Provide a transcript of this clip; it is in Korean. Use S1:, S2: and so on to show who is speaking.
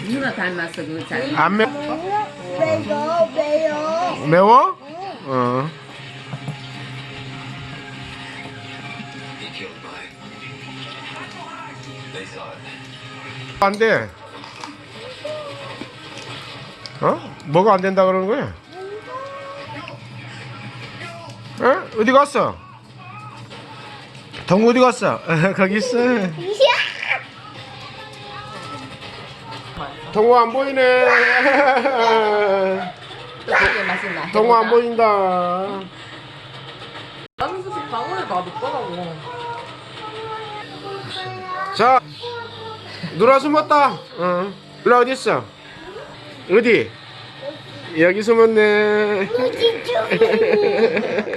S1: 누나 닮았어 그 잘.
S2: 안 매?
S3: 매워 매워.
S2: 매워? 어. 안 돼. 어? 뭐가 안 된다 그러는 거야? 어? 어디 갔어? 동우 어디 갔어? 거기 있어. 동우 안 보이네.
S1: 되게 맛있나?
S2: 동우 안 보인다.
S4: 나는 솔직히 방울이 다 늦더라고.
S2: 자, 누나 숨었다. 어. 누나 어디 있어? 어디? 여기 숨었네.